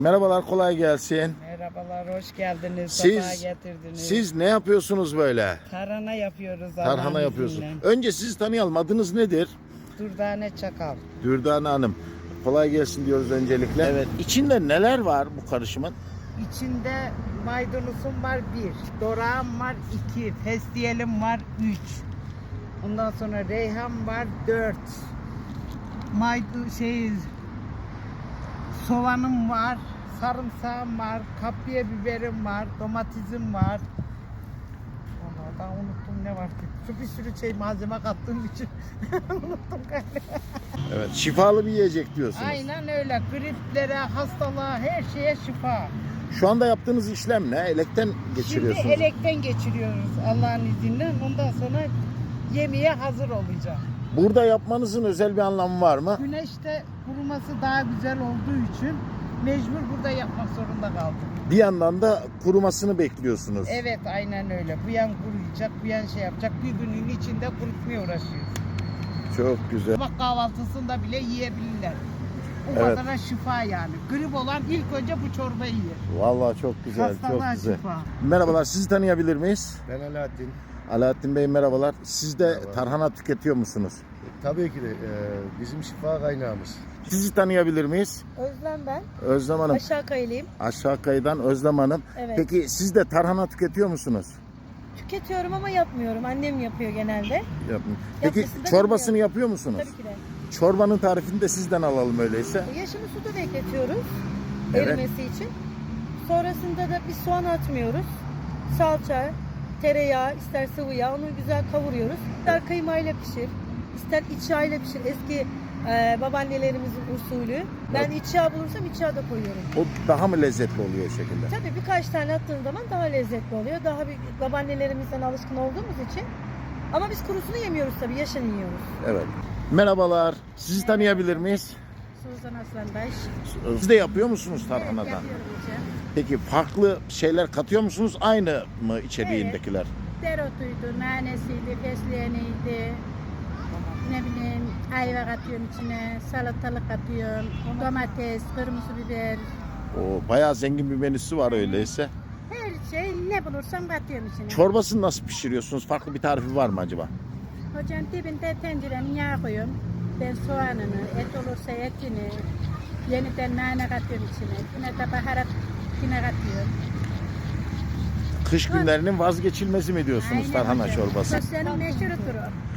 Merhabalar, kolay gelsin. Merhabalar, hoş geldiniz. Siz- Sefa getirdiniz. Siz ne yapıyorsunuz böyle? Tarhana yapıyoruz. Tarhana Allah'ın yapıyorsunuz. izniyle. Önce sizi tanıyalım. Adınız nedir? Dürdane Çakal. Dürdane Hanım. Kolay gelsin diyoruz öncelikle. Evet. İçinde neler var bu karışımın? İçinde maydanozum var 1, dorağım var 2, festiyelim var 3. Ondan sonra reyhan var 4. Soğanım var, sarımsağım var, kapya biberim var, domatesim var. Onlardan unuttum ne var ki. Şu bir sürü malzeme kattığım için unuttum galiba. Evet. Şifalı bir yiyecek diyorsunuz. Aynen öyle. Griplere, hastalığa, her şeye şifa. Şu anda yaptığınız işlem ne? Elekten geçiriyorsunuz. Şimdi elekten geçiriyoruz Allah'ın izniyle. Ondan sonra yemeğe hazır olacak. Burada yapmanızın özel bir anlamı var mı? Güneşte kuruması daha güzel olduğu için mecbur burada yapmak zorunda kaldık. Bir yandan da kurumasını bekliyorsunuz. Evet, aynen öyle. Bu yan kuruyacak, bu yan şey yapacak. Bir günün içinde kurutmaya uğraşıyoruz. Çok güzel. Sabah kahvaltısında bile yiyebilirler. O Evet. kadar şifa yani. Grip olan ilk önce bu çorbayı yer. Vallahi çok güzel, Hastalığa çok güzel. şifa. Merhabalar, sizi tanıyabilir miyiz? Ben Alaaddin. Alaaddin Bey merhabalar. Siz de Merhaba. tarhana tüketiyor musunuz? Tabii ki de bizim şifa kaynağımız. Sizi tanıyabilir miyiz? Özlem ben. Özlem Hanım. Aşağı Kayılıyım. Aşağı kayıdan Özlem Hanım. Evet. Peki siz de tarhana tüketiyor musunuz? Tüketiyorum ama yapmıyorum. Annem yapıyor genelde. Yapın. Peki Yapmasını da çorbasını bilmiyorum. yapıyor musunuz? Tabii ki de. Çorbanın tarifini de sizden alalım öyleyse. Yaşını suda bekletiyoruz. Evet. Erimesi için. Sonrasında da bir soğan atmıyoruz. Salça, tereyağı, ister sıvı yağ. Onu güzel kavuruyoruz. İster kıymayla pişir, ister iç yağıyla pişir. Eski babaannelerimizin usulü. Ben iç yağ bulursam iç yağ da koyuyorum. O daha mı lezzetli oluyor o şekilde? Tabii birkaç tane attığın zaman daha lezzetli oluyor. Daha bir babaannelerimizden alışkın olduğumuz için. Ama biz kurusunu yemiyoruz tabii, yaşını yiyoruz. Evet. Merhabalar. Sizi tanıyabilir miyiz? Suzan Aslanbaş. Siz de yapıyor musunuz tarhanadan? yapıyorum hocam. Peki farklı şeyler katıyor musunuz? Aynı mı içeriğindekiler? Deretuydu, nanesiydi, fesleğeniydi. Ne bileyim, ayva katıyorum içine, salatalık katıyorum, domates, kırmızı biber. O bayağı zengin bir menüsü var öyleyse. Her şey ne bulursam katıyorum içine. Çorbasını nasıl pişiriyorsunuz? Farklı bir tarifi var mı acaba? Hocam dibinde tencerenin yağı koyuyorum. Ben soğanını, et olursa etini, yeniden nane katıyorum içine. Yine de baharat yine katıyorum. Kış günlerinin vazgeçilmezi mi diyorsunuz Aynen tarhana hocam. çorbası? Sosyanın meşhurudur o.